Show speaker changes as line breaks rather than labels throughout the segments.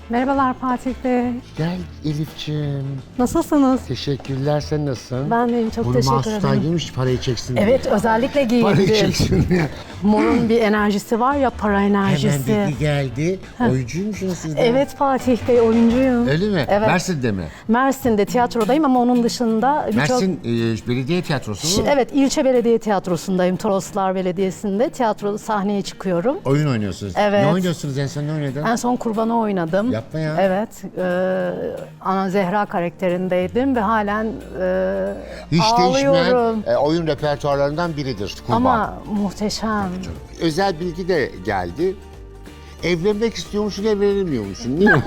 Merhabalar Fatih Bey.
Gel Elif'ciğim.
Nasılsınız?
Teşekkürler, sen nasılsın?
Ben deyim, çok
Bunu
teşekkür
mahsustan
ederim.
giymiş, parayı çeksin diye.
Evet, özellikle
Parayı
giyindim.
çeksin diye.
Mor'un bir enerjisi var ya, para enerjisi.
Hemen dedi geldi. Oyuncuymusunuz siz de.
Evet Fatih Bey, oyuncuyum.
Öyle mi?
Evet.
Mersin'de mi?
Mersin'de tiyatrodayım ama onun dışında birçok...
Mersin Belediye Tiyatrosu mu?
Evet, ilçe belediye tiyatrosundayım. Toroslar Belediyesi'nde tiyatro sahneye çıkıyorum.
Oyun oynuyorsunuz.
Evet.
Ne oynuyorsunuz en son, ne oynadın?
En son Kurban'ı oynadım.
Yapma ya.
Evet, Ana Zehra karakterindeydim ve halen
Hiç
ağlıyorum.
değişmeyen oyun repertuarlarından biridir Kurban.
Ama muhteşem.
Özel bilgi de geldi. Evlenmek istiyormuşsun, evlenemiyormuşsun, değil mi?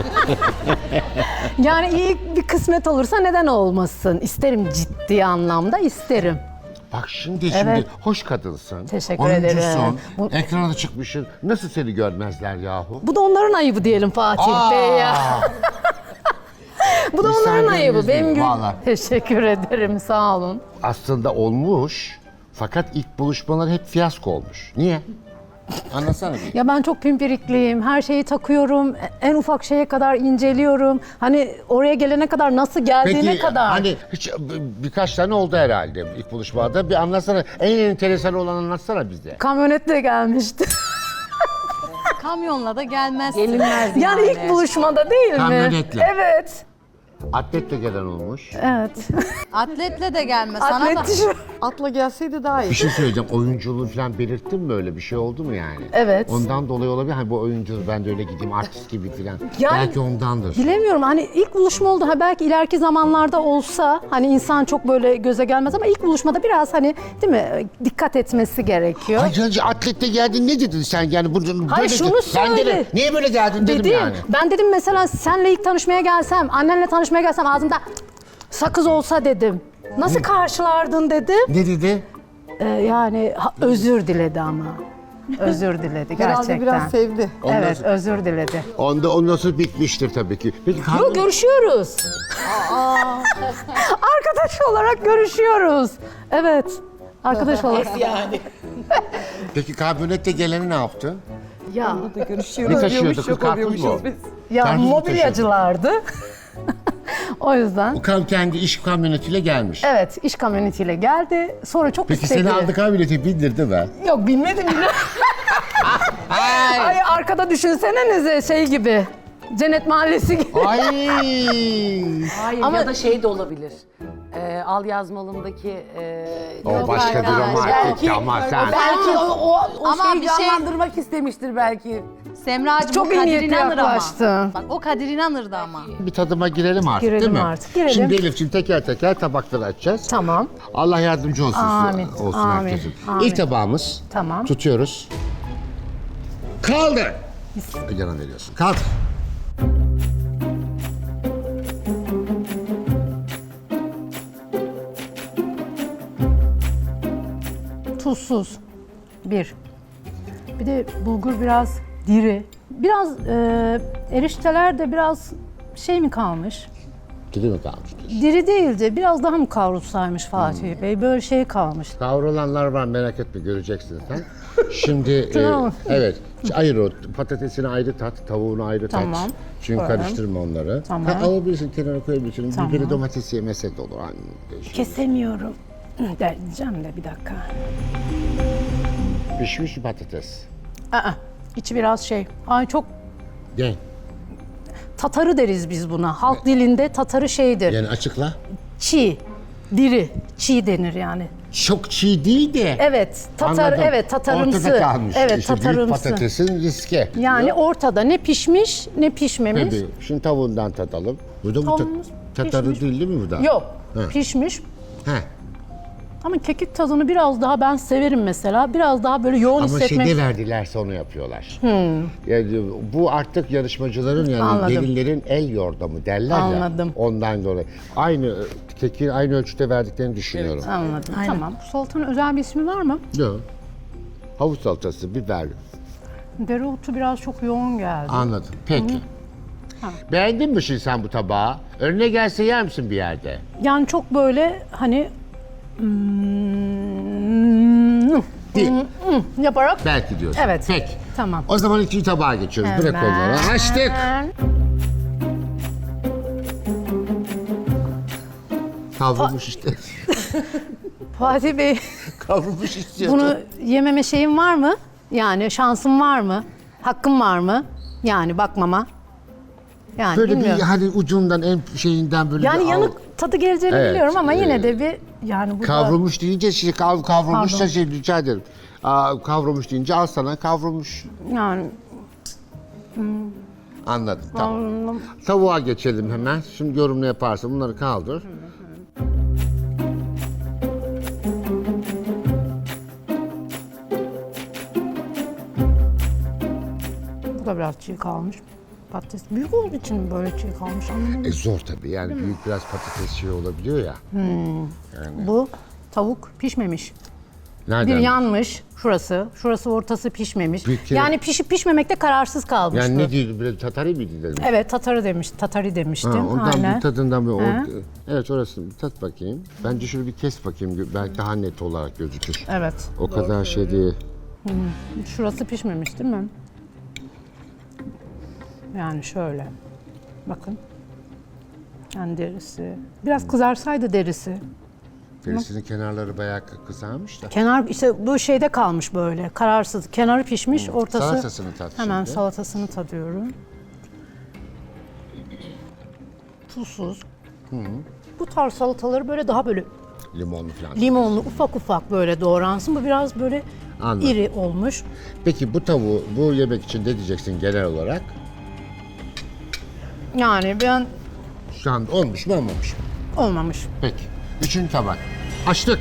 Yani iyi bir kısmet olursa neden olmasın? İsterim, ciddi anlamda isterim.
Bak şimdi
Evet.
hoş kadınsın.
Teşekkür
oyuncusun,
ederim.
ekrana da çıkmışsın. Nasıl seni görmezler yahu?
Bu da onların ayıbı diyelim Fatih Bey ya. Bu da onların
Müsaadenizle
ayıbı. Benim
vallahi.
Teşekkür ederim, sağ olun.
Aslında olmuş fakat ilk buluşmalar hep fiyasko olmuş. Niye? Anlatsana bir.
Ya ben çok pimpirikliyim. Her şeyi takıyorum. En ufak şeye kadar inceliyorum. Hani oraya gelene kadar nasıl geldiğine
Peki
kadar.
hani hiç, birkaç tane oldu herhalde ilk buluşmada. Bir anlatsana. En enteresan olan anlatsana bize.
Kamyonetle gelmişti.
Kamyonla da gelmez.
Gelinmez
Yani ilk buluşmada değil mi?
Kamyonetle.
Evet.
Atletle gelen olmuş.
Evet.
Atletle de gelmez. Sana
Atlet
da.
tişört.
Atla gelseydi daha iyi.
Bir şey söyleyeceğim. Oyunculuğu falan belirttin mi, öyle bir şey oldu mu yani?
Evet.
Ondan dolayı olabilir. Hani bu oyunculuğu ben de öyle gideyim artist gibi falan.
Yani-
Belki ondandır.
Bilemiyorum, hani ilk buluşma oldu. Ha belki ileriki zamanlarda olsa hani insan çok böyle göze gelmez ama ilk buluşmada biraz hani değil mi dikkat etmesi gerekiyor.
Hayır, atlette geldin, ne dedin sen yani?
Hayır, şunu
Ben
söyle.
dedim, niye böyle geldin dedim
Dedim.
yani.
Ben dedim mesela senle ilk tanışmaya gelsem, annenle tanışmaya gelsem ağzımda sakız olsa dedim. Nasıl karşılardın dedim.
Ne dedi?
Yani özür diledi ama. Özür diledi gerçekten.
Herhalde biraz sevdi.
Evet, özür diledi.
Ondan sonra bitmiştir tabii ki. Peki
Yok, görüşüyoruz. Arkadaş olarak görüşüyoruz. Evet. Arkadaş olarak.
Peki kamyonette geleni ne yaptı?
Ya,
Ne
Görüşüyoruz
taşıyordu
diyormuş,
kız,
yok
karpuz mu?
oluyormuşuz biz.
ya
Karpuz mu
mobilyacılardı. O yüzden.
O kendi iş kamyonetiyle gelmiş.
Evet, iş kamyonetiyle geldi. Sonra çok
Peki
istedi.
seni aldı kamyonete bindirdi mi?
Yok, bilmedim bile. Ay arkada düşünsenenize şey gibi. Cennet Mahallesi gibi.
Ay.
Hayır
Ama-
ya da şey de olabilir. Al yazmalımdaki...
O başka bir romantik ama sen.
Belki o
Ama
şeyi
bir şey-
canlandırmak istemiştir belki.
Semracığım
Çok
o
iyi
Kadir
niyetli
İnanır ama.
yaklaştın.
Bak o Kadir İnanır'dı ama.
Bir tadıma girelim artık,
Girelim
değil mi?
artık, girelim.
Şimdi Elif'ciğim teker teker tabakları açacağız.
Tamam,
Allah yardımcı olsun,
Amin,
olsun
amin,
herkesin.
amin.
İlk tabağımız.
tamam.
Tutuyoruz. Kaldır. Yana veriyorsun. Kaldır.
Tuzsuz. Bir. Bir de bulgur biraz diri. Biraz erişteler de biraz şey mi kalmış?
Dili mi kalmış?
Diri değildi. Biraz daha mı kavrulsaymış Fatih Bey? Böyle şey kalmış.
Kavrulanlar var, merak etme, göreceksin sen. Şimdi
Tamam.
evet, ayır o patatesini ayrı tat, tavuğunu ayrı
Tamam.
tat. Çünkü
Koyalım.
karıştırma onları.
Tamam.
Ha, alabilirsin, kenara koyabilirsin.
Tamam.
Biberi domatesi yemesek de olur. Hani değişik.
Kesemiyorum. Diyeceğim de bir dakika.
Pişmiş patates.
İçi biraz şey. Ay çok
Gel.
tatarı deriz biz buna. Halk dilinde tatarı şeydir.
Yani açıkla.
Çiğ, diri, çiğ denir yani.
Çok çiğ değil de.
Evet, tatar,
Anladım.
evet tatarımsı.
Ortada kalmış.
Evet,
İşte büyük
tatarımsı.
patatesin riske.
Yani ortada ne pişmiş ne pişmemiş.
Tabii. Şimdi tavuğundan tadalım. Bu da bu
Tavuğumuz
tatarı
pişmiş.
değil mi bu da?
Yok,
He.
pişmiş.
He.
Ama kekik tadını biraz daha ben severim mesela. Biraz daha böyle yoğun
Ama
hissetmek.
şeyde verdilerse onu yapıyorlar. Yani bu artık yarışmacıların yani
Anladım.
gelinlerin el yordamı derler
Anladım.
ya. Ondan dolayı. Aynı keki aynı ölçüde verdiklerini düşünüyorum.
Anladım. Tamam. Bu salatanın özel bir ismi var mı?
Yok. Havuç salatası, biber.
Dereotu biraz çok yoğun geldi.
Anladım. Peki. Beğendin mi şimdi sen bu tabağı? Önüne gelse yer misin bir yerde?
Yani çok böyle hani
Değil.
yaparak
Belki diyorsun.
Evet.
Peki.
Tamam.
O zaman ikinci tabağa geçiyoruz. Bırak onları. Açtık.
Hemen.
Kavrulmuş işte.
Fatih Bey,
Kavrulmuş istiyordu.
bunu yememe şeyim var mı? Yani şansım var mı? Hakkım var mı? Yani bakmama. Yani
Böyle
bilmiyorum.
bir hani ucundan en şeyinden böyle
Yani
bir
yanık tadı geleceğini
Evet,
biliyorum ama yine de bir yani bu da-
Kavrulmuş deyince şimdi kavrulmuş da
Pardon.
şey rica ederim. Kavrulmuş deyince al sana kavrulmuş.
yani
Anladım tamam.
anladım.
Tavuğa geçelim hemen. Şimdi yorumunu yaparsın. Bunları kaldır.
Bu da biraz çiğ kalmış. Patates büyük olduğu için mi böyle çiğ kalmış anlamadım.
Zor tabii yani büyük biraz patates şey olabiliyor ya.
Bu tavuk pişmemiş.
Nereden?
Bir yanmış şurası. Şurası ortası pişmemiş.
Bir kere-
Yani pişip pişmemekte kararsız kalmıştı.
Yani ne diyordu? Böyle tatari miydi dedim.
Evet tatari demiştim.
Ondan
Aynen.
bir tadından bir
He.
evet orası bir tat bakayım. Bence şöyle bir kes bakayım. Belki daha net olarak gözükür.
Evet.
O kadar şey değil.
Şurası pişmemiş değil mi? Yani şöyle. Bakın. Yani derisi. Biraz kızarsaydı derisi.
Derisinin kenarları bayağı kızarmış da.
Kenar işte bu şeyde kalmış böyle. Kararsız. Kenarı pişmiş, ortası.
Salatasını tat
Hemen
şimdi.
salatasını tadıyorum. Tuzsuz. Bu tarz salataları böyle daha böyle
Limonlu falan.
limonlu ufak ufak böyle doğransın. Bu biraz böyle
Anladım.
iri olmuş.
Peki bu tavuğu bu yemek için ne diyeceksin genel olarak?
Yani ben
Şu an olmuş mu olmamış mı?
olmamış.
Peki. Üçüncü tabak. Açtık.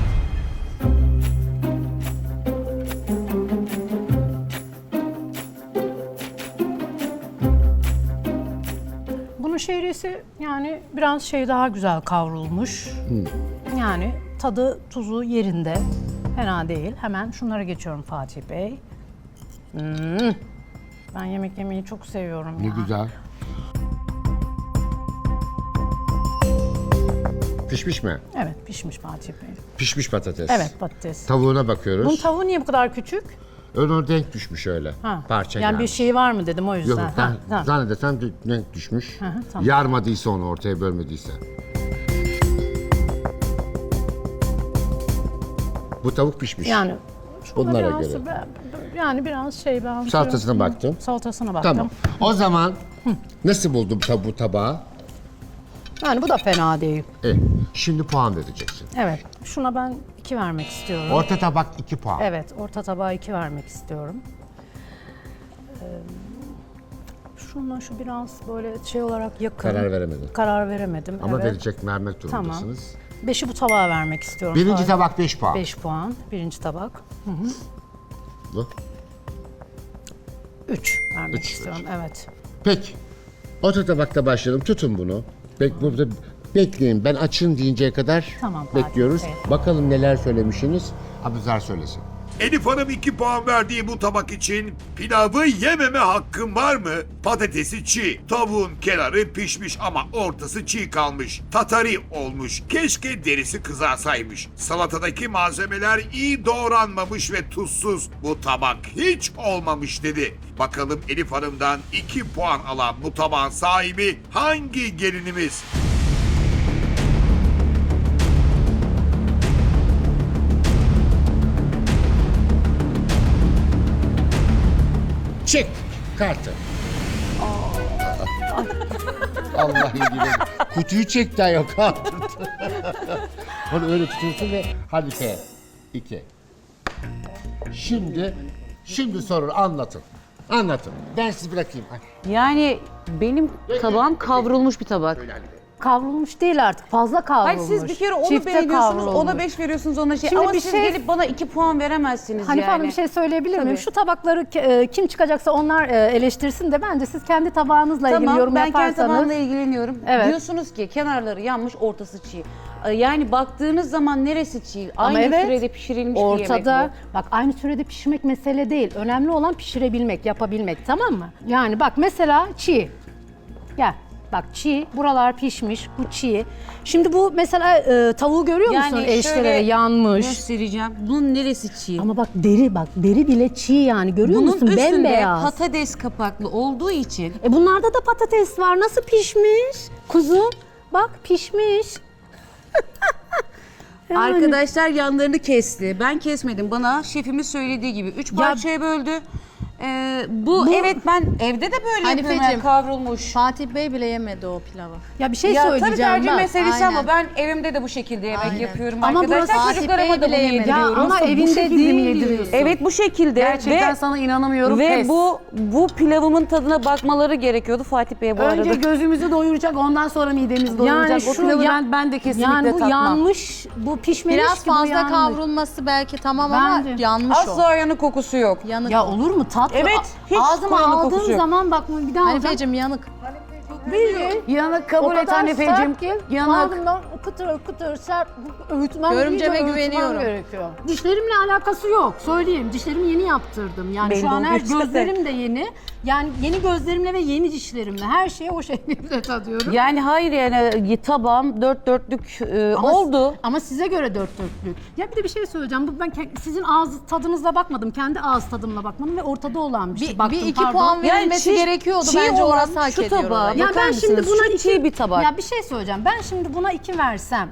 Bunun şehriyesi yani biraz şey daha güzel kavrulmuş. Yani tadı tuzu yerinde. Fena değil. Hemen şunlara geçiyorum Fatih Bey. Ben yemek yemeyi çok seviyorum
Ne
ya.
güzel. Pişmiş mi?
Evet pişmiş Fatih Bey.
Pişmiş patates.
Evet patates.
Tavuğuna bakıyoruz.
Bunun tavuğu niye bu kadar küçük?
Ön denk düşmüş öyle.
Ha.
Parça
yani bir
gelmiş.
şey var mı dedim o yüzden.
Yok ben
Ha, tamam.
zannedersem denk düşmüş.
hı, tamam.
Yarmadıysa onu ortaya bölmediyse. Bu tavuk pişmiş.
Yani
Bunlara
biraz,
göre.
Yani biraz şey ben...
Salatasına baktım.
Salatasına baktım.
Tamam. O zaman nasıl buldun bu tabağı?
Yani bu da fena değil.
Şimdi puan vereceksin.
Evet. Şuna ben 2 vermek istiyorum.
Orta tabak 2 puan.
Evet, orta tabağa 2 vermek istiyorum. Şuna şu biraz böyle şey olarak yakın.
Karar veremedin.
Karar veremedim.
Ama
evet.
vermek
Tamam.
durumundasınız.
5'i bu tabağa vermek istiyorum.
Birinci tabak 5 puan.
5 puan. Birinci tabak.
Bu.
3 vermek
Üç,
istiyorum. Evet.
Peki. Orta tabakta başlayalım. Tutun bunu. Burada bekleyin. Ben açın deyinceye kadar
Tamam, Fatih
bekliyoruz.
Bey.
Bakalım neler söylemişsiniz. Abuzar söylesin.
Elif Hanım 2 puan verdiği bu tabak için pilavı yememe hakkım var mı? Patatesi çiğ, tavuğun kenarı pişmiş ama ortası çiğ kalmış. Tatari olmuş, keşke derisi kızarsaymış. Salatadaki malzemeler iyi doğranmamış ve tuzsuz. Bu tabak hiç olmamış dedi. Bakalım Elif Hanım'dan 2 puan alan bu tabağın sahibi hangi gelinimiz?
Çek kartı. Allah ilgili. Kutuyu çek daha yok kaldırdı. Onu öyle tutuyorsun ve hadi F. 2. Şimdi soru anlatın. Anlatın. Ben sizi bırakayım. Ay,
Yani benim tabağım kavrulmuş bir tabak.
Kavrulmuş değil artık. Fazla kavrulmuş.
Hayır siz bir kere onu
Çifte
beğeniyorsunuz, ona
kavrulmuş.
5 veriyorsunuz, ona şey.
Şimdi
Ama
bir
siz
şey-
gelip bana 2 puan veremezsiniz
Hanife
yani.
Hanım bir şey söyleyebilir miyim?
Tabii.
Şu tabakları kim çıkacaksa onlar eleştirsin de bence siz kendi tabağınızla ilgili
Tamam,
yorum
ben kendi
yaparsanız.
tabağımla ilgileniyorum.
Evet.
Diyorsunuz ki kenarları yanmış, ortası çiğ. Yani baktığınız zaman neresi çiğ?
Ama
Aynı
evet,
sürede pişirilmiş bir yemek
ortada,
bu.
bak aynı sürede pişirmek mesele değil. Önemli olan pişirebilmek, yapabilmek, tamam mı? Yani bak mesela çiğ. Gel. Bak çiğ, buralar pişmiş, bu çiğ. Şimdi bu mesela tavuğu görüyor musun? Eriştelere yanmış.
göstereceğim. Bunun neresi çiğ?
Ama bak deri bile çiğ yani görüyor
Bunun
musun?
üstünde
Bembeyaz.
patates kapaklı olduğu için
Bunlarda da patates var. Nasıl pişmiş? Kuzum bak pişmiş.
Arkadaşlar yanlarını kesti. Ben kesmedim. Bana şefimiz söylediği gibi 3 parçaya böldü. Bu evet ben evde de böyle yapıyorum.
Hanifeciğim,
Yani kavrulmuş.
Fatih Bey bile yemedi o pilavı.
Ya bir şey
Ya tabii
söyleyeceğim
tercih
bak.
meselesi ama
Aynen.
ben evimde de bu şekilde yemek
Aynen.
yapıyorum
Ama burası
arkadaşlar.
Fatih
Çocuklarıma
Bey
da
bile
bunu
yemedi.
Ya
yediriyorum.
ama
bu
evinde
şekilde mi
değil.
yediriyorsun?
Evet bu şekilde
Gerçekten
ve
sana inanamıyorum.
ve
Pes.
bu pilavımın tadına bakmaları gerekiyordu Fatih Bey bu
Önce
arada.
gözümüzü doyuracak, ondan sonra midemizi doyuracak.
Yani
O
şu
pilavı
ya-
ben de kesinlikle
yani bu
tatmam.
yanmış, bu pişmemiş
Biraz
ki bu
fazla
yanmış.
kavrulması belki tamam ama
Bence.
yanmış o.
Asla yanık kokusu yok.
Yanık
Ya
o.
olur mu tatlı?
Evet, hiç
Ağzıma
koyana
aldığım
kokusu yok.
zaman bak bir daha alacağım.
Hanifeciğim yanık.
Bildiğin.
Yanık
O
kabul et
kadar
Hanifeciğim.
sert ki
Yanık.
ağzımdan kıtır kıtır sert öğütmem
Görümceme
iyice öğütmem
güveniyorum.
gerekiyor. Dişlerimle alakası yok söyleyeyim. Dişlerimi yeni yaptırdım. Yani
Belli
şu an her
oluyor zaten.
gözlerim de yeni. Yani yeni gözlerimle ve yeni dişlerimle her şeyi o şekilde tadıyorum.
Yani hayır yani tabağım dört dörtlük oldu.
Ama size göre dört dörtlük. Ya bir de bir şey söyleyeceğim. Bu ben sizin ağız tadınızla bakmadım. Kendi ağız tadımla bakmadım ve ortada olan bir şey. Baktım,
bir iki
pardon.
puan verilmesi
çiğ-
gerekiyordu
çiğ
bence
olan
orası hak
şu
ediyor
tabağı
orayı.
Ya
bakar
ben şimdi
mısınız?
buna
Şu çiğ bir tabak.
Ya bir şey söyleyeceğim. Ben şimdi buna 2 versem,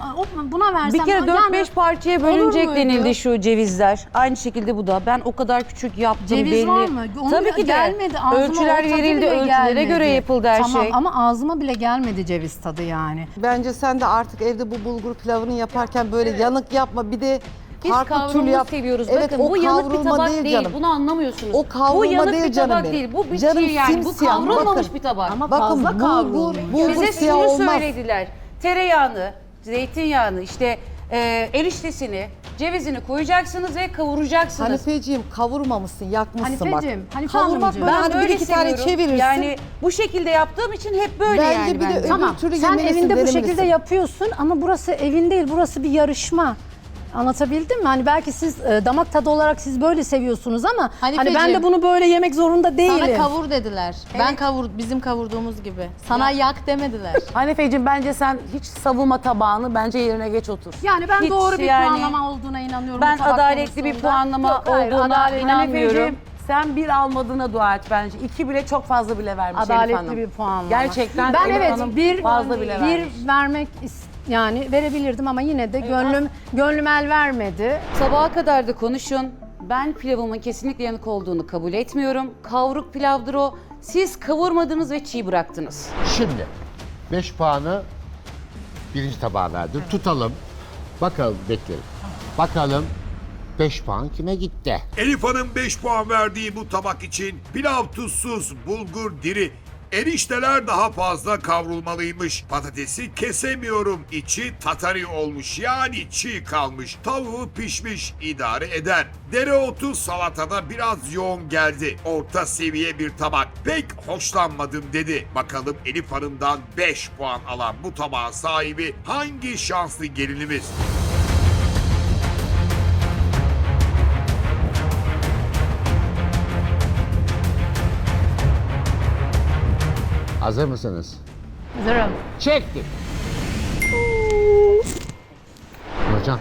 buna versem...
Bir kere 4-5 parçaya bölünecek
muydu?
denildi şu cevizler. Aynı şekilde bu da. Ben o kadar küçük yaptım
Ceviz
belli.
var mı? Onu
Tabii ki de.
gelmedi. Ağzıma
Ölçüler
o tadı
verildi,
bile
ölçülere
gelmedi.
göre yapıldı her
tamam,
şey.
ama ağzıma bile gelmedi ceviz tadı yani.
Bence sen de artık evde bu bulgur pilavını yaparken böyle yanık yapma. Bir de
Biz
farklı türlü
kavrulmuş
yap.
seviyoruz.
Evet,
Bakın
o
bu yanık bir
kavrulma
tabak
değil
değil.
canım.
Bunu anlamıyorsunuz.
O kavrulma
bu yanık
değil
bir
canım
tabak
benim.
değil. Bu bir
Canım
çiğ yani. Bu
simsiyah.
kavrulmamış
Bakın.
bir tabak.
Ama
Bakın
fazla kavrulmuş.
bulgur
Bize
siyah
şunu
olmaz.
söylediler. Tereyağını, zeytinyağını, işte eriştesini, cevizini koyacaksınız ve kavuracaksınız.
Hanifeciğim kavurmamışsın, yakmışsın bak.
Hanifeciğim, Hanife
Kavurmak
Hanımcığım.
böyle
Ben
hani bir
böyle
iki tane
seviyorum.
çevirirsin.
Yani bu şekilde yaptığım için hep böyle
Bence
yani
bir de
bence.
öbür
Tamam,
türlü
sen
yemelisin,
evinde bu
denemelisin.
şekilde yapıyorsun ama burası evin değil, burası bir yarışma. Anlatabildim mi? Hani belki siz damak tadı olarak siz böyle seviyorsunuz ama hani ben de
Hanifeciğim,
bunu böyle yemek zorunda değilim.
Sana kavur dediler. Ben bizim kavurduğumuz gibi. Sana yak demediler.
Hanifeciğim bence sen hiç savunma tabağını bence yerine geç otur.
Yani ben
Hiç
doğru bir
yani-
puanlama olduğuna inanıyorum.
Ben
bu tabak
adaletli bir
konusunda.
puanlama
Yok, hayır,
olduğuna
adaletli-
inanmıyorum.
Hanifeciğim sen bir almadığına dua et bence. 2 bile çok fazla bile vermiş Elif
Adaletli
Hanım.
bir puanlama.
Gerçekten
ben
Elif
evet
Hanım
bir
fazla bile vermiş.
vermek yani verebilirdim ama yine de gönlüm el vermedi.
Sabaha kadar da konuşun. Ben pilavımın kesinlikle yanık olduğunu kabul etmiyorum. Kavruk pilavdır o. Siz kavurmadınız ve çiğ bıraktınız.
Şimdi 5 puanı birinci tabağa verdim. Tutalım. Bakalım bekleyelim. Bakalım 5 puan kime gitti?
Elif Hanım 5 puan verdiği bu tabak için pilav tuzsuz, bulgur diri, erişteler daha fazla kavrulmalıymış. Patatesi kesemiyorum, içi tatari olmuş yani çiğ kalmış. Tavuğu pişmiş, idare eder. Dereotu salatada biraz yoğun geldi. Orta seviye bir tabak. Pek hoşlanmadım dedi. Bakalım Elif Hanım'dan 5 puan alan bu tabağın sahibi hangi şanslı gelinimiz?
Hazır mısınız?
Hazırım.
Çektik. Hocam.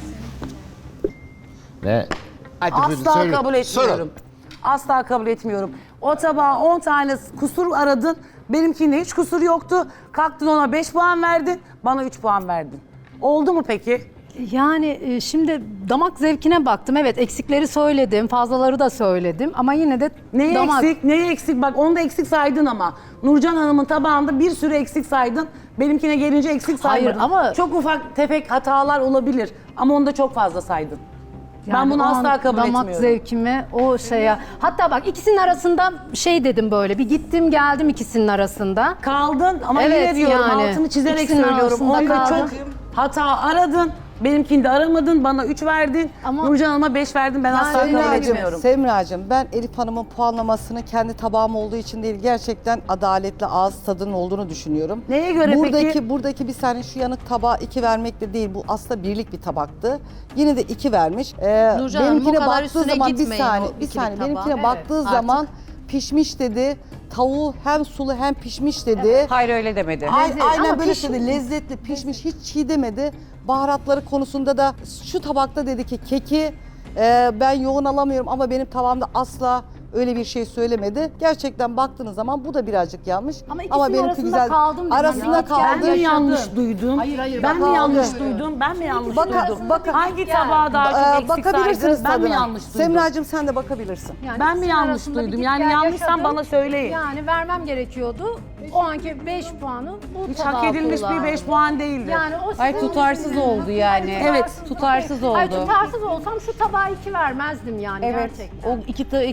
Ve hadi buyurun,
Asla
söyleyin.
kabul etmiyorum.
Sorun.
Asla kabul etmiyorum. O tabağa 10 tane kusur aradın. Benimkinde hiç kusur yoktu. Kalktın ona 5 puan verdin. Bana 3 puan verdin. Oldu mu peki?
Yani şimdi damak zevkine baktım. Evet eksikleri söyledim, fazlaları da söyledim ama yine de
Neyi
damak...
eksik? Neyi eksik? Bak onu da eksik saydın ama. Nurcan Hanım'ın tabağında bir sürü eksik saydın. Benimkine gelince eksik saymadın.
Hayır, ama-
Çok ufak tefek hatalar olabilir. Ama onu da çok fazla saydın. Ben
Yani
bunu
o
asla
an
kabul
damak
etmiyorum.
zevkime o şeye... Hatta bak ikisinin arasında şey dedim böyle bir gittim geldim ikisinin arasında.
Kaldın ama
Evet,
yine diyorum
yani.
altını çizerek
İkisinin
söylüyorum.
arasında
Onda
kaldım.
çok hata aradın. Benimkinde aramadın. Bana 3 verdin.
Ama-
Nurcan Hanım'a 5 verdin. Ben asla kabul
Semracığım,
etmiyorum.
Semracığım ben Elif Hanım'ın puanlamasını kendi tabağım olduğu için değil gerçekten adaletli ağız tadının olduğunu düşünüyorum.
Neye göre peki?
Buradaki bir saniye şu yanık tabağa 2 vermek de değil bu aslında birlik bir tabaktı. Yine de 2 vermiş.
Nurcan Hanım, bu
benimkine
kadar
baktığı
üstüne
zaman bir
gitmeyin
saniye
o
bir
ikili
saniye
tabağa.
benimkine
Evet,
baktığı
artık.
zaman pişmiş dedi. Tavuğu hem sulu hem pişmiş dedi.
Hayır öyle demedi.
Aynen
ama
böyle
pişmiş.
söyledi. Lezzetli, pişmiş, hiç çiğ demedi. Baharatları konusunda da şu tabakta dedi ki keki ben yoğun alamıyorum ama benim tabağımda asla öyle bir şey söylemedi. Gerçekten baktığınız zaman bu da birazcık yanlış.
Ama ikisinin arasında kaldım dedim.
Arasında
Ya.
kaldım.
Ben mi yanlış duydum?
Hayır,
Ben mi
bak-
yanlış
Aldı.
duydum? Ben mi yanlış
Bakın-
duydum?
bakın-
Hangi tabağa daha çok eksik
bakabilirsiniz
saydı? Ben mi
tadına.
yanlış duydum?
Semracığım sen de bakabilirsin.
Yani
Ben mi
ikisinin
yanlış
arasında bir
duydum?
git
Yani
gel
yanlışsam
yaşadım.
bana söyleyin.
Yani vermem gerekiyordu. O anki 5 puanı bu
Hiç
tabağa
hak edilmiş
kullandım.
bir 5 puan değildi.
Yani o
Ay
sizin
tutarsız
düşünceniz.
oldu yani.
Evet,
tutarsız oldu.
Ay tutarsız olsam şu tabağa 2 vermezdim yani
Evet.
gerçekten.
O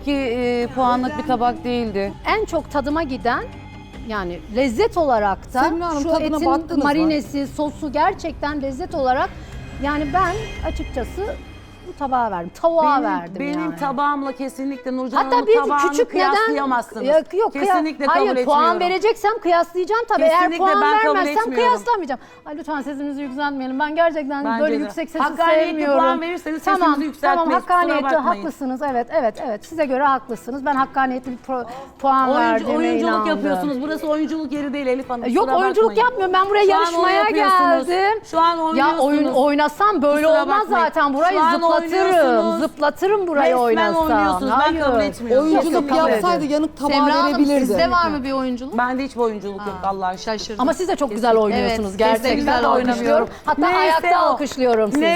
iki puanlık bir tabak değildi.
En çok tadıma giden yani lezzet olarak da
Semra Hanım,
şu
tadına
etin
baktınız mı?
marinesi, sosu gerçekten lezzet olarak yani ben açıkçası bu tabağa verdim. Tavuğa verdim
benim
yani.
tabağımla kesinlikle Nurcan
Hatta
Hanım'ın
bir
tabağını
küçük neden
kıyaslayamazsınız.
yok
kesinlikle kabul
hayır
etmiyorum.
puan vereceksem kıyaslayacağım tabii. Eğer
Kesinlikle
puan
ben kabul
vermezsem
etmiyorum.
kıyaslamayacağım. Ay lütfen sesinizi yükseltmeyelim. Ben gerçekten
Bence
böyle
de.
yüksek sesi
Hakkaniyetli
sevmiyorum.
puan verirseniz sesinizi yükseltmeyiz,
Tamam
kusura
hakkaniyetli
bakmayın.
haklısınız. Evet. Size göre haklısınız. Ben hakkaniyetli bir puan verdiğime
Oyunculuk
inandım.
yapıyorsunuz. Burası oyunculuk yeri değil Elif Hanım.
Yok
kusura
oyunculuk
bakmayın.
yapmıyorum. Ben buraya
Şu an
yarışmaya
yapıyorsunuz.
geldim.
Şu an
Ya
oynuyorsunuz.
oynasam böyle
Kusura
olmaz
bakmayın.
zaten. Burayı
Şu an
zıplatırım.
oynuyorsunuz.
Zıplatırım burayı
Resmen
oynasam.
oynuyorsunuz. Ben kabul etmiyorum.
Oyunculuk
Kabul
yapsaydı
edin.
yanık tabağı
Semra Hanım
verebilirdi.
sizde var mı bir oyunculuk?
Bende hiç oyunculuk yok Allah'a şükür.
Şaşırdım.
Ama siz de çok güzel oynuyorsunuz
Evet,
gerçekten.
kesinlikle
Ben de oynamıyorum. Hatta ayakta alkışlıyorum sizi.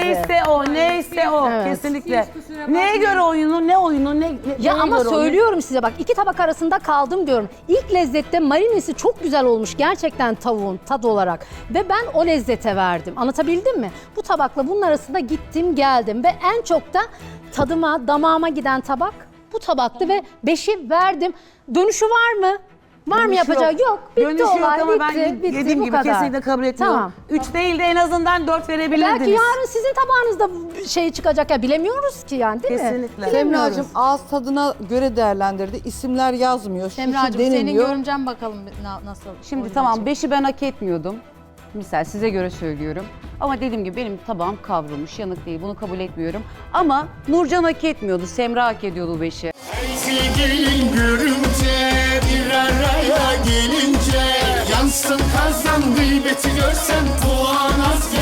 Neyse o.
Evet.
Kesinlikle. Neye göre oyunu, ne oyunu,
Ya
neye
ama
göre oyunu?
söylüyorum size bak 2 tabak arasında kaldım diyorum. İlk lezzette marinesi çok güzel olmuş gerçekten tavuğun tad olarak. Ve ben o lezzete verdim. Anlatabildim mi? Bu tabakla bunun arasında gittim geldim. Ve en çok da tadıma, damağıma giden tabak bu tabaktı ve 5'i verdim. Dönüşü var mı? Var mı
Dönüşü
yapacağı? Yok. Bitti
Dönüşü yok
olay.
ama ben
bitti,
dediğim
bu
gibi
kadar.
kesinlikle kabul etmiyorum.
Tamam.
3 değil de en azından 4 verebilirdiniz.
Belki yarın sizin tabağınızda şey çıkacak ya bilemiyoruz ki yani değil mi?
Kesinlikle.
Bilemiyoruz.
Semracığım ağız tadına göre değerlendirdi. İsimler yazmıyor. Şişi
Semracığım senin
deniliyor.
görümcen bakalım nasıl?
Şimdi
oyun
tamam
olacak.
5'i ben hak etmiyordum. Misal size göre söylüyorum. Ama dediğim gibi benim tabağım kavrulmuş, yanık değil. Bunu kabul etmiyorum. Ama Nurcan hak etmiyordu, Semra hak ediyordu bu 5'i.
Sevgilin görünce bir araya gelince yansın kazan gıybeti görsen puan az